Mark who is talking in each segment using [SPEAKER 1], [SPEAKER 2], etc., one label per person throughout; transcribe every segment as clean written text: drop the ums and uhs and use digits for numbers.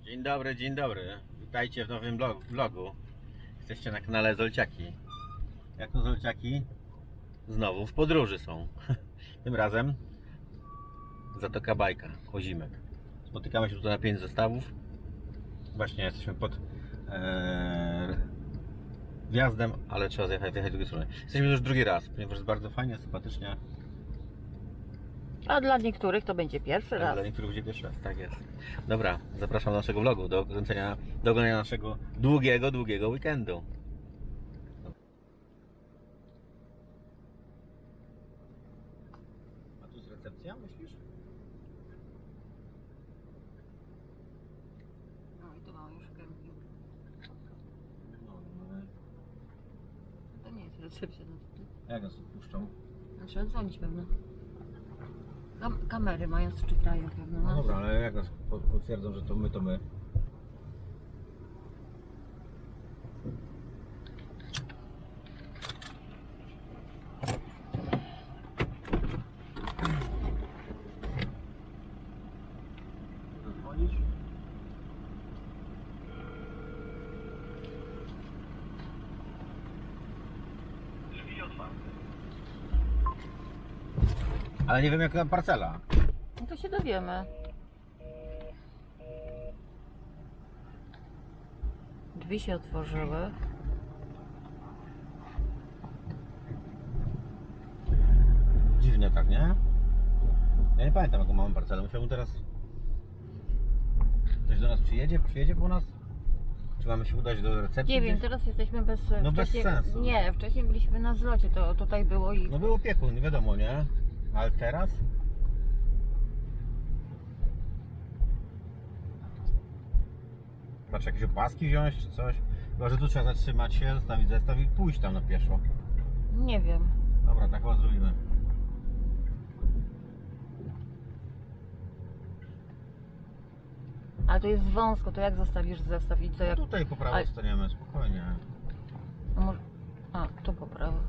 [SPEAKER 1] Dzień dobry. Witajcie w nowym vlogu. Jesteście na kanale Zolciaki. Jak to Zolciaki? Znowu w podróży są. Tym razem Zatoka Bajka, Kozimek. Spotykamy się tutaj na 5 zestawów. Właśnie jesteśmy pod wjazdem, ale trzeba zjechać z drugiej strony. Jesteśmy już drugi raz, ponieważ jest bardzo fajnie, sympatycznie.
[SPEAKER 2] A dla niektórych to będzie pierwszy raz.
[SPEAKER 1] Dla niektórych będzie pierwszy raz, tak jest. Dobra, zapraszam do naszego vlogu, do oglądania naszego długiego weekendu. A tu jest recepcja, myślisz?
[SPEAKER 2] No i tu mam już kemping.
[SPEAKER 1] No.
[SPEAKER 2] To nie jest recepcja.
[SPEAKER 1] Jak nas odpuszczą?
[SPEAKER 2] Trzeba dzwonić pewno. Kamery mają, czytają pewno.
[SPEAKER 1] No dobra, ale jak nas potwierdzą, że to my. Zadzwonisz? Drzwi otwarte. Ale nie wiem jaka parcela.
[SPEAKER 2] No to się dowiemy. Drzwi się otworzyły.
[SPEAKER 1] Dziwne tak, nie? Ja nie pamiętam jaką mamy parcelę. Musiałbym teraz... Ktoś do nas przyjedzie po nas? Czy mamy się udać do recepcji?
[SPEAKER 2] Nie wiem,
[SPEAKER 1] gdzieś?
[SPEAKER 2] teraz jesteśmy bez...
[SPEAKER 1] No bez sensu.
[SPEAKER 2] Nie, wcześniej byliśmy na zlocie, to tutaj było i...
[SPEAKER 1] No był opiekun, nie wiadomo, nie? Ale teraz? Patrz, jakieś opaski wziąć czy coś? Chyba, że tu trzeba zatrzymać się, zostawić zestaw i pójść tam na pieszo.
[SPEAKER 2] Nie wiem.
[SPEAKER 1] Dobra, tak chyba zrobimy.
[SPEAKER 2] Ale to jest wąsko, to jak zostawisz zestaw i co jak...
[SPEAKER 1] Tutaj po prawo staniemy, spokojnie.
[SPEAKER 2] No może... A, tu po prawo.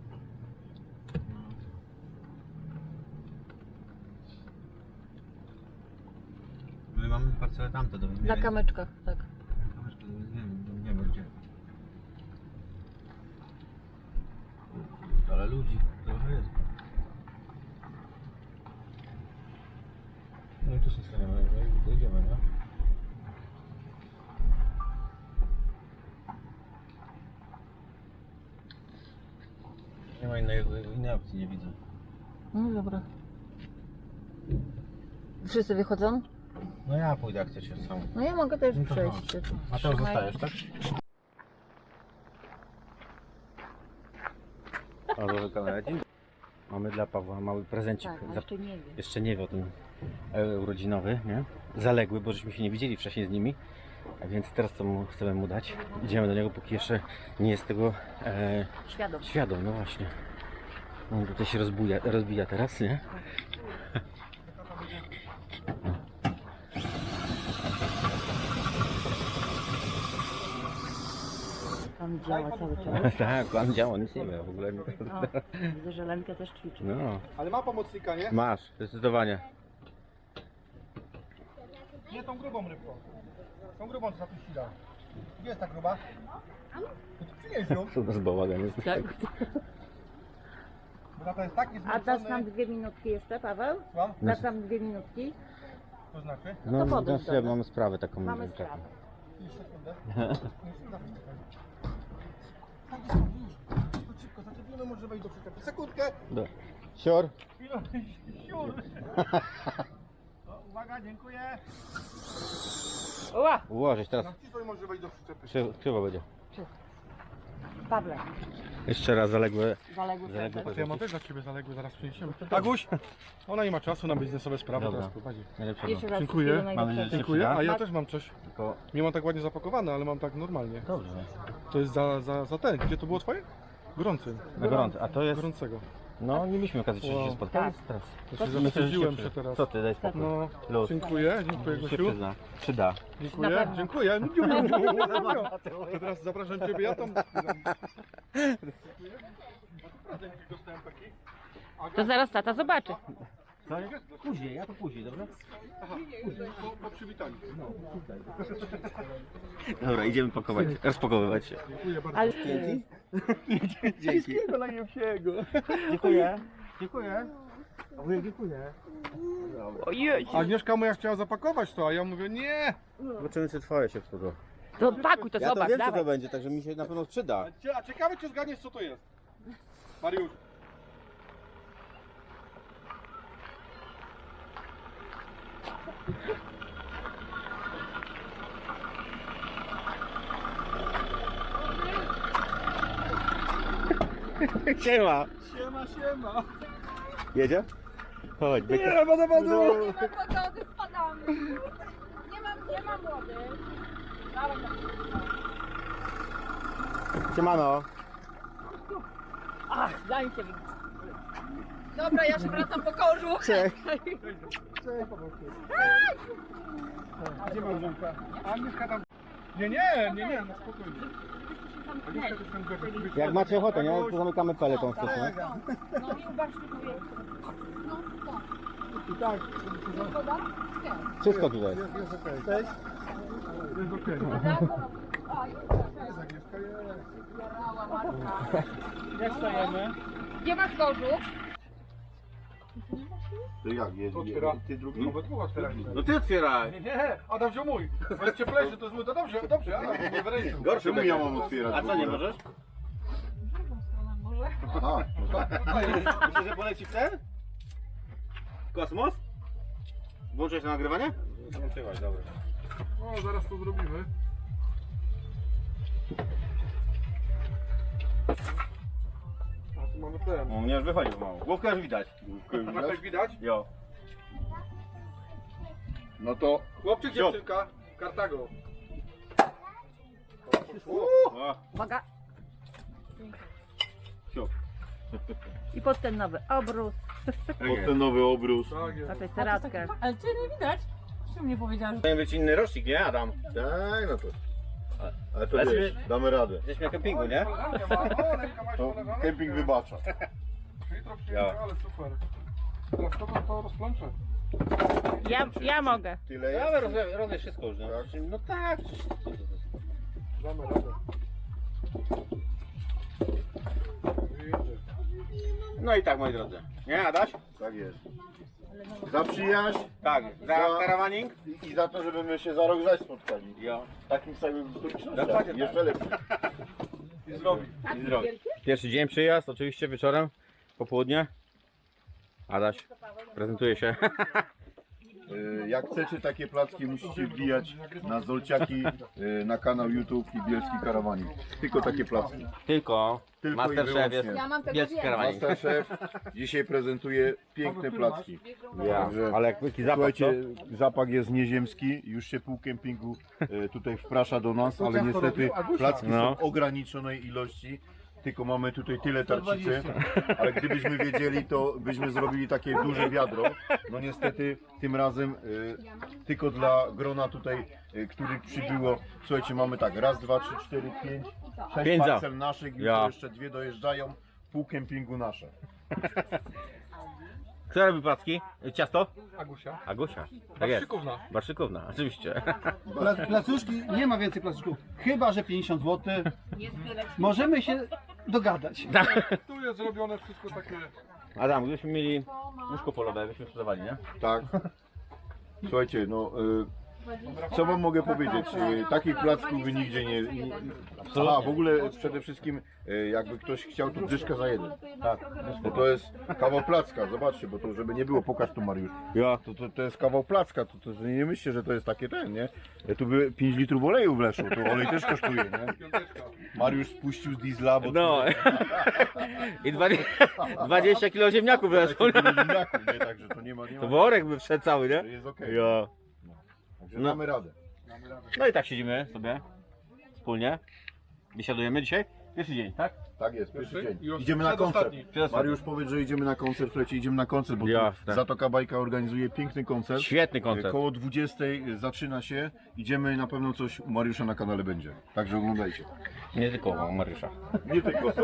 [SPEAKER 1] My mamy parcelę tamte do wymiany.
[SPEAKER 2] Na kamyczkach, tak.
[SPEAKER 1] Kamyczkę do wymiany, nie wiemy gdzie. Ale ludzi trochę jest. No i tu się staniemy, i dojedziemy, nie? Nie ma innej opcji, nie widzę.
[SPEAKER 2] No dobra. Wszyscy wychodzą?
[SPEAKER 1] No ja pójdę jak chcecie sam.
[SPEAKER 2] No ja mogę też
[SPEAKER 1] No to
[SPEAKER 2] przejść.
[SPEAKER 1] chodź. A to już zostajesz, tak? O, dobrze, kamerę. Mamy dla Pawła mały prezencik.
[SPEAKER 2] Tak, jeszcze nie wiem.
[SPEAKER 1] Jeszcze nie wie o tym urodzinowy, nie? Zaległy, bo żeśmy się nie widzieli wcześniej z nimi. A więc teraz co chcemy mu dać? Idziemy do niego, póki jeszcze nie jest tego świadom, no właśnie. On tutaj się rozbija teraz, nie?
[SPEAKER 2] Pan działa cały czas.
[SPEAKER 1] Tak, plan działa, nic nie wie w ogóle.
[SPEAKER 2] No, widzę, że Lenka też ćwiczy.
[SPEAKER 1] No,
[SPEAKER 3] Ale ma pomocnika, nie?
[SPEAKER 1] masz, zdecydowanie.
[SPEAKER 3] Nie tą grubą rybką. Tą grubą co zapuściła. Gdzie jest ta gruba? No to przynieś ją.
[SPEAKER 1] To bez bałagan jest.
[SPEAKER 2] Tak.
[SPEAKER 3] Bo tata jest taki
[SPEAKER 2] A dasz nam
[SPEAKER 3] zmęczony.
[SPEAKER 2] 2 minutki jeszcze, Paweł?
[SPEAKER 3] Słucham?
[SPEAKER 2] Dasz nam 2 minutki?
[SPEAKER 3] To znaczy?
[SPEAKER 1] No,
[SPEAKER 2] to podejdź do nas.
[SPEAKER 1] mamy sprawę taką.
[SPEAKER 2] Mamy
[SPEAKER 1] taką.
[SPEAKER 2] sprawę.
[SPEAKER 3] Już sekundę. Tak jest, już. Chodź szybko, zaczepimy, może wejść do przyczepy. Sekundkę.
[SPEAKER 1] Do. Sior.
[SPEAKER 3] Chwilę, siur. O, uwaga, dziękuję.
[SPEAKER 2] Ła!
[SPEAKER 1] Ułożyć teraz.
[SPEAKER 3] Na wcisnąć może wejść do przyczepy.
[SPEAKER 1] Krzywo będzie.
[SPEAKER 2] Pawle,
[SPEAKER 1] Jeszcze raz zaległe.
[SPEAKER 2] zaległy prezent.
[SPEAKER 3] Ja mam też dla ciebie zaległy, zaraz przyniesiemy. Aguś, ona nie ma czasu na biznesowe sprawy,
[SPEAKER 1] Dobra.
[SPEAKER 3] teraz prowadzi.
[SPEAKER 1] Najlepszego.
[SPEAKER 2] Jeszcze raz
[SPEAKER 3] Dziękuję.
[SPEAKER 2] wszystkiego
[SPEAKER 1] Mamy
[SPEAKER 2] najlepszego.
[SPEAKER 1] nadzieję,
[SPEAKER 3] Dziękuję, a ja
[SPEAKER 2] Ma-
[SPEAKER 3] też mam coś.
[SPEAKER 1] Tylko
[SPEAKER 3] Nie mam tak ładnie zapakowane, ale mam tak normalnie.
[SPEAKER 1] dobrze.
[SPEAKER 3] To jest za ten. Gdzie to było twoje? Gorący.
[SPEAKER 1] Na gorąco. A to jest.
[SPEAKER 3] Gorącego.
[SPEAKER 1] No nie mieliśmy okazji jeszcze
[SPEAKER 3] Wow.
[SPEAKER 1] się spotkać.
[SPEAKER 2] Tak.
[SPEAKER 1] Teraz.
[SPEAKER 3] To się
[SPEAKER 1] Myślę, że
[SPEAKER 3] zawstydziłem się teraz.
[SPEAKER 1] Co ty, daj spokój.
[SPEAKER 3] No,
[SPEAKER 1] Luz.
[SPEAKER 3] dziękuję
[SPEAKER 1] Się
[SPEAKER 3] Gosiu.
[SPEAKER 1] przyzna. Przyda.
[SPEAKER 2] Na
[SPEAKER 3] Dziękuję,
[SPEAKER 2] pewno.
[SPEAKER 3] dziękuję. To teraz zapraszam ciebie, ja tam...
[SPEAKER 2] To zaraz tata zobaczy.
[SPEAKER 1] Co? Później, ja to później, dobra?
[SPEAKER 3] Aha, po przywitaniu.
[SPEAKER 1] Dobra, idziemy pakować, rozpakowywać się.
[SPEAKER 3] Dziękuję bardzo.
[SPEAKER 2] Ale
[SPEAKER 1] Dzięki.
[SPEAKER 3] najlepszego.
[SPEAKER 1] Dziękuję. Dziękuję. Wujek, dziękuję.
[SPEAKER 2] ojej.
[SPEAKER 3] Agnieszka moja chciała zapakować to, a ja mówię nie.
[SPEAKER 1] Zobaczymy, czy twoje się wchodzą.
[SPEAKER 2] To pakuj, to
[SPEAKER 1] Ja to
[SPEAKER 2] zobacz,
[SPEAKER 1] wiem, co
[SPEAKER 2] dawaj.
[SPEAKER 1] to będzie, także mi się na pewno przyda.
[SPEAKER 3] A ciekawe czy zgadniesz co to jest. Mariusz.
[SPEAKER 1] Siema.
[SPEAKER 3] Siema.
[SPEAKER 1] Jedzie? Chodź, byk.
[SPEAKER 3] Nie, woda.
[SPEAKER 4] Nie ma wody, spadamy. Nie ma wody. Dawaj,
[SPEAKER 1] Siemano.
[SPEAKER 2] Ach, daj się.
[SPEAKER 4] Dobra, ja się wracam po kożuch.
[SPEAKER 1] Cześć.
[SPEAKER 3] Cześć, Pawełku. Gdzie Małżonka? Agnieszka tam... Nie, no spokojnie. Agnieszka też tam gada.
[SPEAKER 1] Jak macie ochotę, nie? To zamykamy peleton wcześniej.
[SPEAKER 4] No i uważnie mówię. No, to.
[SPEAKER 3] I tak,
[SPEAKER 4] Woda?
[SPEAKER 1] Wszystko tutaj jest.
[SPEAKER 3] jest okej. Cześć. Jest okej. Jest Agnieszka, jest.
[SPEAKER 2] Jak stajemy?
[SPEAKER 4] Gdzie masz kożuch?
[SPEAKER 5] To jak jest?
[SPEAKER 3] Otwiera.
[SPEAKER 5] Ty drugi?
[SPEAKER 3] No we dwóch otwierajmy.
[SPEAKER 1] No ty otwieraj.
[SPEAKER 3] Nie, Adam wziął mój. Bo jest cieplejszy, to jest mój. To dobrze, Adam, nie wyrejszy.
[SPEAKER 1] Gorszy
[SPEAKER 5] Czemu
[SPEAKER 1] będzie.
[SPEAKER 5] ja mam otwierać?
[SPEAKER 1] A
[SPEAKER 5] w
[SPEAKER 1] co, nie
[SPEAKER 5] ogóle?
[SPEAKER 1] możesz?
[SPEAKER 4] Może?
[SPEAKER 5] Aha,
[SPEAKER 1] Myślisz, że poleci w ten? W kosmos? Włączyłeś na nagrywanie? Włączyłaś, dobra.
[SPEAKER 3] No, zaraz to zrobimy. A tu mamy ten.
[SPEAKER 1] No, mnie już wychodził mało. Główkę już widać.
[SPEAKER 3] Na coś widać?
[SPEAKER 1] Jo.
[SPEAKER 5] no to
[SPEAKER 3] Chłopczyk,
[SPEAKER 1] Siop.
[SPEAKER 3] dziewczynka. Kartago.
[SPEAKER 1] O,
[SPEAKER 2] Uwaga.
[SPEAKER 1] siup.
[SPEAKER 2] I pod ten nowy obrus.
[SPEAKER 5] pod ten nowy obrus.
[SPEAKER 3] Tak jest.
[SPEAKER 2] Na tę ceratkę.
[SPEAKER 4] Ale ty nie widać. Czemu nie powiedziałam, że...
[SPEAKER 1] Powinien być inny rocznik, nie Adam?
[SPEAKER 5] Tak, no to. Ale to
[SPEAKER 1] Ale
[SPEAKER 5] wiesz,
[SPEAKER 1] sobie-
[SPEAKER 5] damy radę.
[SPEAKER 1] Jesteśmy na kempingu, nie?
[SPEAKER 3] O, ręka masz
[SPEAKER 5] To
[SPEAKER 3] polewana?
[SPEAKER 5] kemping wybacza.
[SPEAKER 3] Jutro przyjeżdżę, ale super. Teraz to rozplączę.
[SPEAKER 2] Ja mogę.
[SPEAKER 5] Tyle
[SPEAKER 1] Ja
[SPEAKER 5] jest?
[SPEAKER 1] robię wszystko już, no. No tak.
[SPEAKER 3] Damy radę. Wyjeżdżę.
[SPEAKER 1] No i tak, moi drodzy. Nie, Adaś?
[SPEAKER 5] Tak jest. Za przyjaźń
[SPEAKER 1] Tak. Za karawaning?
[SPEAKER 5] i za to, żeby my się za rok zaś spotkali.
[SPEAKER 1] Jo.
[SPEAKER 5] W takim samym okolicznościach.
[SPEAKER 1] Dokładnie tak.
[SPEAKER 5] Jeszcze lepiej.
[SPEAKER 3] I zrobi.
[SPEAKER 1] I zdrowie. Pierwszy dzień przyjazd, oczywiście wieczorem, popołudnie. Adaś, prezentuje się.
[SPEAKER 5] Jak chcecie takie placki, musicie wbijać na Zolciaki, na kanał YouTube i Bielski Karawanik. Tylko takie placki.
[SPEAKER 1] Tylko
[SPEAKER 5] Tylko i
[SPEAKER 1] Masterchef jest
[SPEAKER 5] wyłącznie.
[SPEAKER 4] Ja mam tego
[SPEAKER 1] jest
[SPEAKER 4] więcej.
[SPEAKER 1] karawaning.
[SPEAKER 5] Masterchef dzisiaj prezentuje piękne placki.
[SPEAKER 1] Ja.
[SPEAKER 5] Także
[SPEAKER 1] Ale jak jaki zapach,
[SPEAKER 5] słuchajcie, zapach jest nieziemski, już się pół kempingu tutaj wprasza do nas, ale niestety placki
[SPEAKER 1] No.
[SPEAKER 5] są ograniczonej ilości. Tylko mamy tutaj tyle tarcicy, ale gdybyśmy wiedzieli, to byśmy zrobili takie duże wiadro. No niestety tym razem tylko dla grona tutaj, których przybyło. Słuchajcie, mamy tak, raz, dwa, trzy, cztery, pięć, sześć
[SPEAKER 1] Pięć za.
[SPEAKER 5] parcel naszych, już
[SPEAKER 1] Ja.
[SPEAKER 5] jeszcze dwie dojeżdżają, pół kempingu nasze.
[SPEAKER 1] Kto robi placki? Ciasto?
[SPEAKER 3] Agusia.
[SPEAKER 1] Agusia. Tak jest.
[SPEAKER 3] Szykówna.
[SPEAKER 1] Barszykówna, oczywiście.
[SPEAKER 6] Placuszki, nie ma więcej placuszków. Chyba, że 50 zł. Możemy się dogadać.
[SPEAKER 3] Tu jest zrobione wszystko takie...
[SPEAKER 1] Adam, gdybyśmy mieli łóżko polowe, byśmy sprzedawali, nie?
[SPEAKER 5] Tak. Słuchajcie, no co wam mogę powiedzieć? Takich placków wy nigdzie nie. Aha, w ogóle przede wszystkim jakby ktoś chciał, to dyszka za jeden. Tak. Bo to jest kawał placka, zobaczcie, bo to żeby nie było, pokaż tu Mariusz.
[SPEAKER 1] Ja.
[SPEAKER 5] To jest kawał placka, to nie myślcie, że to jest takie ten, nie? Tu by 5 litrów oleju wleszło, to olej też kosztuje, nie?
[SPEAKER 3] Piąteczka.
[SPEAKER 5] Mariusz spuścił z diesla, bo
[SPEAKER 1] No. I 20 kg ziemniaków weszło.
[SPEAKER 5] to nie? Także to nie ma.
[SPEAKER 1] To worek by wszedł cały,
[SPEAKER 5] To
[SPEAKER 1] nie?
[SPEAKER 5] jest okej.
[SPEAKER 1] Ja.
[SPEAKER 5] Także damy radę.
[SPEAKER 1] No i tak siedzimy sobie wspólnie. Wysiadujemy dzisiaj. Pierwszy dzień, tak?
[SPEAKER 5] Tak jest, pierwszy
[SPEAKER 3] Pierwszy?
[SPEAKER 5] dzień.
[SPEAKER 3] Już
[SPEAKER 5] Idziemy na koncert.
[SPEAKER 3] przedostatni.
[SPEAKER 5] Mariusz powiedz, że idziemy na koncert, słuchajcie, idziemy na koncert, bo tu
[SPEAKER 1] Jasne.
[SPEAKER 5] Zatoka Bajka organizuje piękny koncert.
[SPEAKER 1] Świetny koncert.
[SPEAKER 5] Koło 20 zaczyna się, idziemy, na pewno coś u Mariusza na kanale będzie. Także oglądajcie.
[SPEAKER 1] Nie tylko u Mariusza.
[SPEAKER 5] Nie tylko.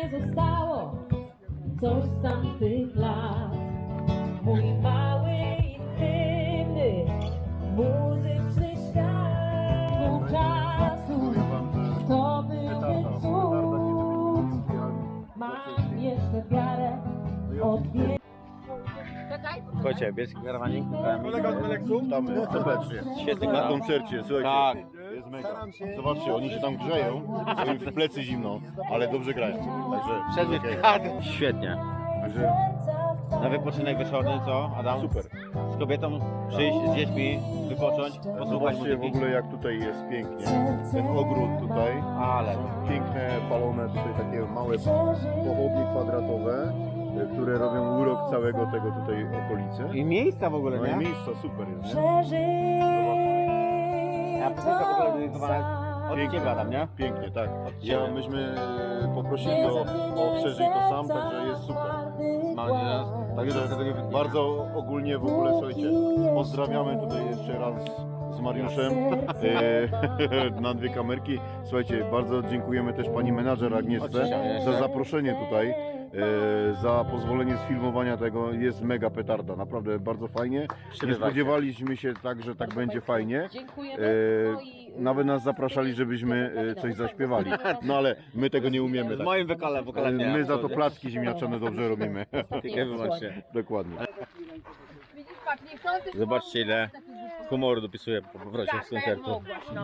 [SPEAKER 7] mnie zostało coś z tamtych lat. Mój mały, intymny, muzyczny świat wówczasu. To byłby cud. Mam jeszcze wiarę odwiedzić.
[SPEAKER 1] Słuchajcie, bielski karawanik.
[SPEAKER 3] Kolega z Meleksu?
[SPEAKER 5] Tam serdecznie.
[SPEAKER 1] Świetny
[SPEAKER 5] Na
[SPEAKER 1] kanał.
[SPEAKER 5] koncercie, słuchajcie.
[SPEAKER 1] Tak.
[SPEAKER 5] Jest mega. Zobaczcie, oni się tam grzeją, bo im w plecy zimno, ale dobrze grają. Także
[SPEAKER 1] Wszedł
[SPEAKER 5] okej.
[SPEAKER 1] w kadr. Świetnie.
[SPEAKER 5] Także
[SPEAKER 1] Na wypoczynek wieczorny, co Adam?
[SPEAKER 5] super.
[SPEAKER 1] Z kobietą przyjść, z dziećmi, wypocząć, posłuchać
[SPEAKER 5] Zobaczcie w
[SPEAKER 1] muzyki.
[SPEAKER 5] ogóle jak tutaj jest pięknie. Ten ogród tutaj.
[SPEAKER 1] Ale
[SPEAKER 5] Są piękne, palone tutaj takie małe pochodnie kwadratowe, które robią urok całego tego tutaj okolicy.
[SPEAKER 1] i miejsca w ogóle,
[SPEAKER 5] No i
[SPEAKER 1] nie?
[SPEAKER 5] miejsca super jest, nie?
[SPEAKER 1] A piosenka w ogóle dedykowana jest od Ciebie, Adam, nie?
[SPEAKER 5] Pięknie, tak.
[SPEAKER 1] Ciebie.
[SPEAKER 5] Myśmy poprosili o przeżyj to sam, także jest super.
[SPEAKER 1] Mam nadzieję, że
[SPEAKER 5] Także
[SPEAKER 1] tego nie wytnie.
[SPEAKER 5] bardzo ogólnie w ogóle, słuchajcie, pozdrawiamy tutaj jeszcze raz z Mariuszem na dwie kamerki. Słuchajcie, bardzo dziękujemy też pani menadżer Agnieszce za zaproszenie tutaj, za pozwolenie sfilmowania tego. Jest mega petarda, naprawdę bardzo fajnie. Nie
[SPEAKER 1] Przybywajcie.
[SPEAKER 5] spodziewaliśmy się tak, że tak będzie fajnie.
[SPEAKER 7] Dziękujemy. No i
[SPEAKER 5] Nawet nas zapraszali, żebyśmy coś zaśpiewali. No ale my tego nie umiemy.
[SPEAKER 1] Z
[SPEAKER 5] Tak.
[SPEAKER 1] moim wokalem nie.
[SPEAKER 5] My za to placki ziemniaczane dobrze robimy.
[SPEAKER 1] Tylko i wyłącznie.
[SPEAKER 5] Dokładnie.
[SPEAKER 4] Widzisz, pak, niechcący
[SPEAKER 1] Zobaczcie, ile humoru dopisuje po powrocie z koncertu.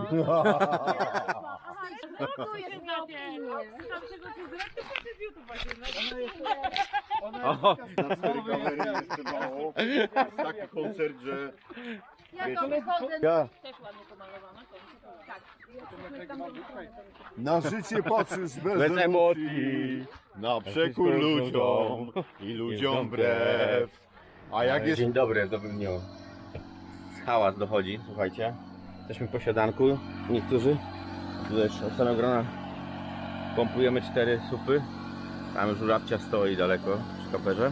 [SPEAKER 4] Dziękujesz na opinię.
[SPEAKER 1] O,
[SPEAKER 5] Na 4 kamery jeszcze mało. Jest taki koncert, że
[SPEAKER 4] Ja to wychodzę.
[SPEAKER 5] ja na życie patrzysz bez
[SPEAKER 1] Bez
[SPEAKER 5] emocji,
[SPEAKER 1] emocji.
[SPEAKER 5] na przekór ludziom i ludziom wbrew. A jak jest...
[SPEAKER 1] Dzień dobry, w dobrym dniu. Hałas dochodzi, słuchajcie. Jesteśmy po siadanku, niektórzy. Tutaj już od samego grona pompujemy 4 supy. Tam żurawcia stoi daleko przy kaperze.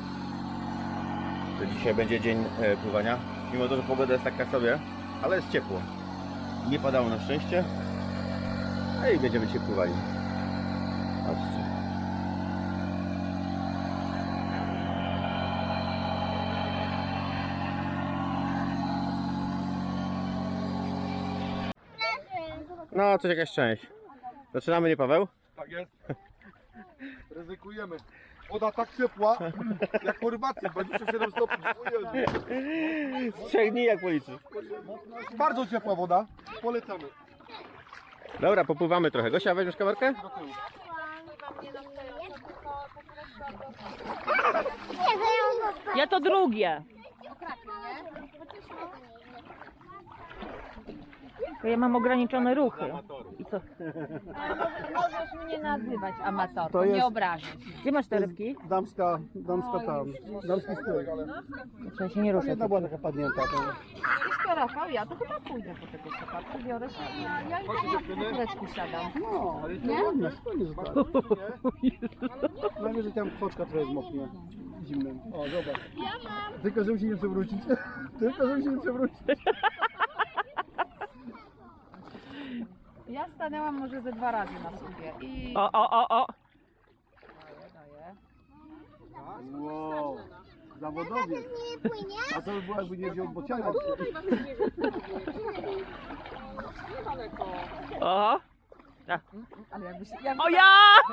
[SPEAKER 1] To dzisiaj będzie dzień pływania. Mimo to, że pogoda jest taka sobie, ale jest ciepło. Nie padało na szczęście. No i będziemy dzisiaj pływali. Patrzcie. No, coś jakaś część. Zaczynamy, nie Paweł?
[SPEAKER 3] Tak jest. Ryzykujemy. Woda tak ciepła, jak po rybacy, 27 stopni. O Jezu.
[SPEAKER 1] Z 3 dni jak policzysz.
[SPEAKER 3] Bardzo ciepła woda. Polecamy.
[SPEAKER 1] Dobra, popływamy trochę. Gosia, weźmiesz kamerkę?
[SPEAKER 3] Do tyłu.
[SPEAKER 2] Ja to drugie. Bo ja mam ograniczone ruchy. I co?
[SPEAKER 4] Możesz mnie nazywać amatorką,
[SPEAKER 6] To jest-
[SPEAKER 4] nie obrażać.
[SPEAKER 2] Gdzie masz te rybki?
[SPEAKER 6] Damska tam, damski styl.
[SPEAKER 2] Ja się nie ruszę.
[SPEAKER 6] Jedna była taka padnięta. To...
[SPEAKER 4] Wiesz co, Rafał, ja to chyba pójdę po tego soka, przybiorę się. Ja i tak na kuleczku siadam.
[SPEAKER 6] No, ale to ładne, spokojnie zostało. Najwyżej tam kwoczka trochę zmoknie zimnym. O, zobacz. Tylko żeby się nie przewrócić. Tylko żeby się nie przewrócić.
[SPEAKER 4] Ja stanęłam może ze 2 razy na słupie i...
[SPEAKER 2] O.
[SPEAKER 4] Daję.
[SPEAKER 6] Wow, zawodowiec. A to by było jakby nie wziął bociana.
[SPEAKER 2] O.
[SPEAKER 4] Ale jakby się...
[SPEAKER 2] O ja!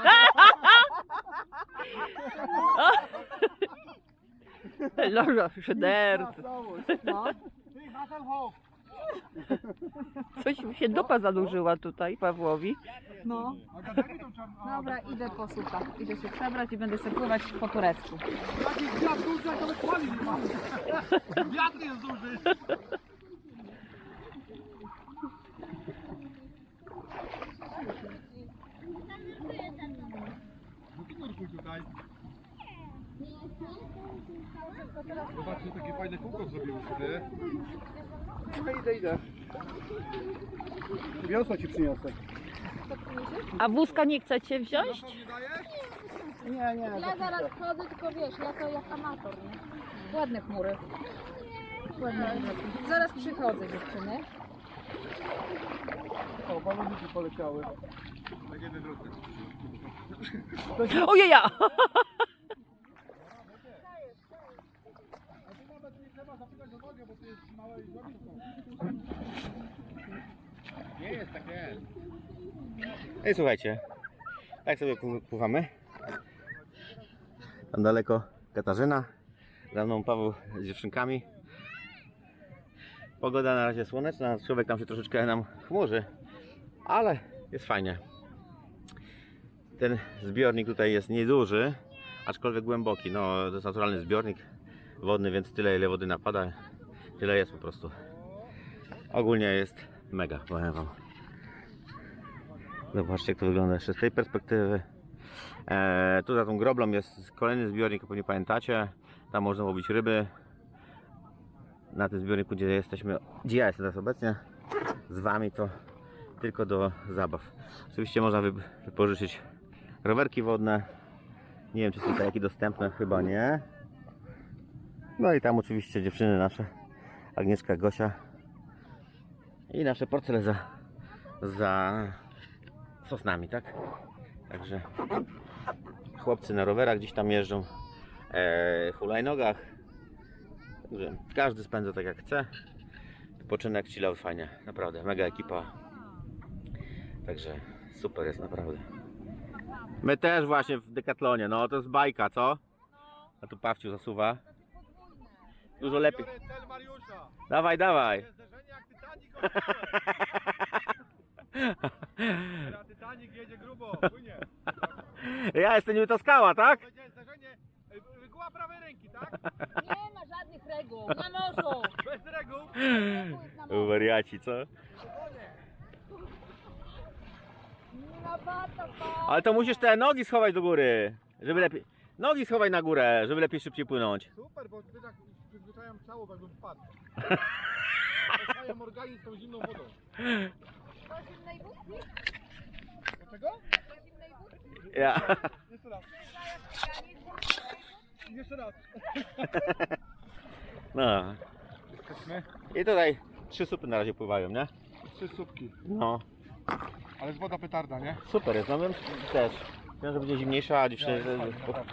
[SPEAKER 2] Loża, szydercy.
[SPEAKER 4] No.
[SPEAKER 2] Coś mi się dupa zanurzyła tutaj Pawłowi.
[SPEAKER 4] No. Dobra, idę po supa. Idę się przebrać i będę sobie pływać po turecku.
[SPEAKER 3] Wiatr jest duży. Nurkuj tutaj. Zobaczcie, takie fajne kółko zrobiły sobie.
[SPEAKER 6] Idę. Wiosło ci przyniosę.
[SPEAKER 2] A wózka nie chcecie wziąć?
[SPEAKER 6] Nie.
[SPEAKER 4] Ja zaraz chodzę, tylko wiesz, ja to jak amator, nie? Ładne chmury. Ładne chmury. Zaraz przychodzę, dziewczyny.
[SPEAKER 6] O, baloniki poleciały.
[SPEAKER 3] Będziemy wrócić.
[SPEAKER 2] Ojeja!
[SPEAKER 3] Nie jest takie.
[SPEAKER 1] No i słuchajcie, tak sobie pływamy. Tam daleko Katarzyna, za mną Paweł z dziewczynkami. Pogoda na razie słoneczna, człowiek tam się troszeczkę nam chmurzy, ale jest fajnie. Ten zbiornik tutaj jest nieduży, aczkolwiek głęboki. No, to jest naturalny zbiornik wodny, więc tyle ile wody napada, tyle jest po prostu. Ogólnie jest mega, powiem wam. Zobaczcie, jak to wygląda jeszcze z tej perspektywy. Tu za tą groblą jest kolejny zbiornik, jak pewnie pamiętacie. Tam można łowić ryby. Na tym zbiorniku, gdzie ja jestem teraz obecnie z wami, to tylko do zabaw. Oczywiście można wypożyczyć rowerki wodne. Nie wiem, czy są kajaki dostępne, chyba nie. No i tam oczywiście dziewczyny nasze, Agnieszka, Gosia i nasze porcele za sosnami, tak? Także chłopcy na rowerach gdzieś tam jeżdżą, hulajnogach. Także każdy spędza tak jak chce. Wypoczynek, chill out, fajnie, naprawdę, mega ekipa. Także super jest, naprawdę. My też właśnie w Decathlonie, no to jest bajka, co? A tu Pawciu zasuwa. Dużo lepiej.
[SPEAKER 3] Biorę cel Mariusza.
[SPEAKER 1] Dawaj, dawaj.
[SPEAKER 3] Zderzenie jak Titanic. Teraz Titanic jedzie grubo, płynie.
[SPEAKER 1] Ja jestem niby to skała, tak?
[SPEAKER 3] Będzie zderzenie. Reguła prawej ręki, tak?
[SPEAKER 4] Nie ma żadnych reguł, na morzu.
[SPEAKER 3] Bez reguł.
[SPEAKER 1] Wariaci, co?
[SPEAKER 4] Na bata,
[SPEAKER 1] Ale to musisz te nogi schować do góry, żeby lepiej... Nogi schowaj na górę, żeby lepiej szybciej płynąć.
[SPEAKER 3] Super, bo ty tak przyzwyczajam ciało, jakbym wpadł. Oswajam organizm tą zimną wodą.
[SPEAKER 4] Do zimnej wódki?
[SPEAKER 3] Dlaczego?
[SPEAKER 4] Do zimnej wódki?
[SPEAKER 1] Ja.
[SPEAKER 3] Jeszcze raz. Jeszcze raz.
[SPEAKER 1] No.
[SPEAKER 3] Jesteśmy.
[SPEAKER 1] I tutaj 3 supy na razie pływają, nie?
[SPEAKER 3] 3 słupki.
[SPEAKER 1] No.
[SPEAKER 3] Ale jest woda petarda, nie?
[SPEAKER 1] Super jest, no wiem też. Wiem, że będzie zimniejsza, a dziewczyny...
[SPEAKER 3] Jest fajnie, naprawdę.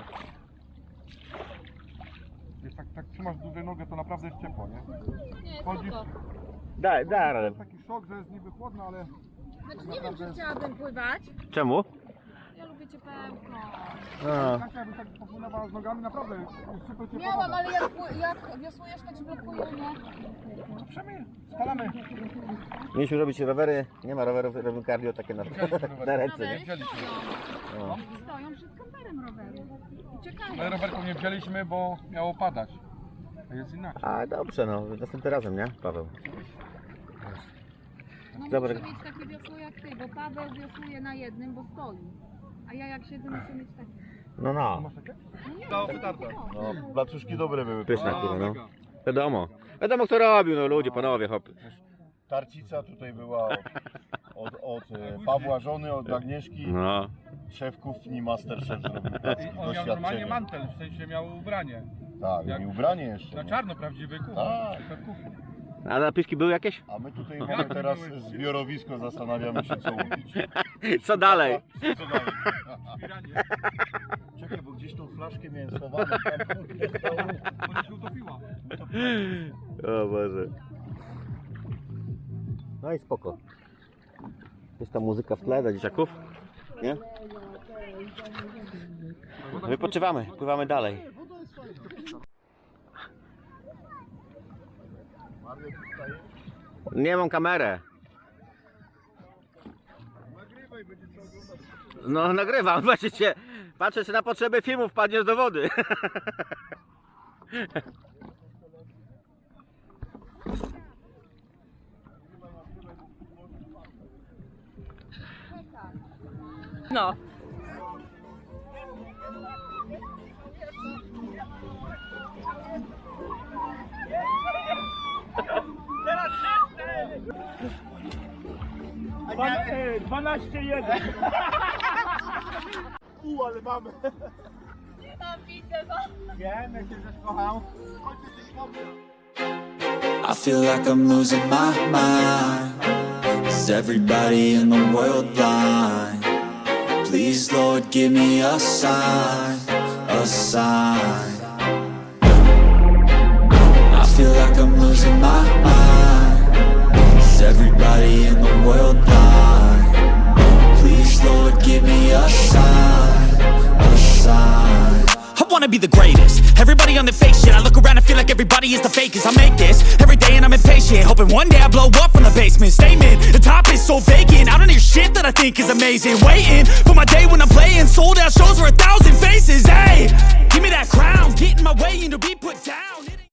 [SPEAKER 3] Jest tak trzymasz dłużej nogę, to naprawdę jest ciepło, nie?
[SPEAKER 4] Nie,
[SPEAKER 3] Chodzisz,
[SPEAKER 4] spoko.
[SPEAKER 1] Daj
[SPEAKER 3] to
[SPEAKER 1] radę.
[SPEAKER 3] jest taki szok, że jest niby chłodno, ale
[SPEAKER 4] Znaczy nie wiem, czy chciałabym pływać.
[SPEAKER 1] Czemu?
[SPEAKER 4] Ja lubię ciepełko.
[SPEAKER 1] No.
[SPEAKER 3] tak jakby tak popłynęła z nogami, naprawdę jest super ciepło.
[SPEAKER 4] Miałam, ale jak wiosłujesz, to ci blokuje, nie?
[SPEAKER 3] Przemy, spalamy.
[SPEAKER 1] Mieliśmy robić rowery, nie ma rowerów, robimy cardio takie na ręce, nie?
[SPEAKER 4] Rowery stoją.
[SPEAKER 1] No.
[SPEAKER 4] Stoją przed kamperem rowery. I czekają.
[SPEAKER 3] My rowerków nie wzięliśmy, bo miało padać. A jest inaczej.
[SPEAKER 1] A dobrze, no, następnym razem, nie, Paweł?
[SPEAKER 4] No
[SPEAKER 1] Dobra.
[SPEAKER 4] muszę mieć takie wiosło jak ty, bo Paweł wiosłuje na jednym, bo stoi. A ja jak siedzę, muszę mieć takie.
[SPEAKER 1] No, no.
[SPEAKER 3] Masz takie?
[SPEAKER 4] No nie,
[SPEAKER 3] Dało petarda.
[SPEAKER 5] No, placuszki dobre były.
[SPEAKER 1] Pyszne,
[SPEAKER 3] A,
[SPEAKER 1] kurwa, no.
[SPEAKER 3] mega.
[SPEAKER 1] Wiadomo. Wiadomo, kto robił, no ludzie, panowie, hop.
[SPEAKER 5] Tarcica tutaj była od Pawła żony, od Agnieszki.
[SPEAKER 1] No.
[SPEAKER 5] Szef kuchni, masterchef zrobił placki,
[SPEAKER 3] On miał normalnie
[SPEAKER 5] doświadczenie.
[SPEAKER 3] mantel, w sensie miał ubranie.
[SPEAKER 5] Tak, i ubranie jeszcze.
[SPEAKER 3] Na
[SPEAKER 5] nie?
[SPEAKER 3] czarno prawdziwy kucharz.
[SPEAKER 5] Tak.
[SPEAKER 3] Szef kuchni.
[SPEAKER 1] A napiski były jakieś?
[SPEAKER 5] A my tutaj mamy teraz zbiorowisko, zastanawiamy się co łupić.
[SPEAKER 1] Co dalej?
[SPEAKER 5] Co dalej?
[SPEAKER 3] Zbieranie.
[SPEAKER 5] Czekaj, bo gdzieś tą flaszkę miałem schowaną, tam kurde stało.
[SPEAKER 3] Ona się utopiła.
[SPEAKER 1] O Boże. No i spoko. Jest ta muzyka w tle dla dzieciaków, nie? Wypoczywamy, pływamy dalej. Nie mam kamerę. No nagrywam, patrzcie, patrzę czy na potrzeby filmu wpadniesz do wody.
[SPEAKER 2] No.
[SPEAKER 3] Ale mamy. Wiem, jak się kochał.
[SPEAKER 8] I feel like I'm losing my mind. Is everybody in the world blind? Please, Lord, give me a sign, a sign. I feel like I'm losing my mind. Is everybody in the world blind? Please, Lord, give me a sign, a sign.
[SPEAKER 9] I wanna be the greatest. Everybody on the fake shit. I look around and feel like everybody is the fakest. I make this every day and I'm impatient, hoping one day I blow up from the basement. Statement, the top is so vacant. I don't hear shit that I think is amazing. Waiting for my day when I'm playing sold out shows for 1,000 faces. Hey, give me that crown, get in my way and to be put down.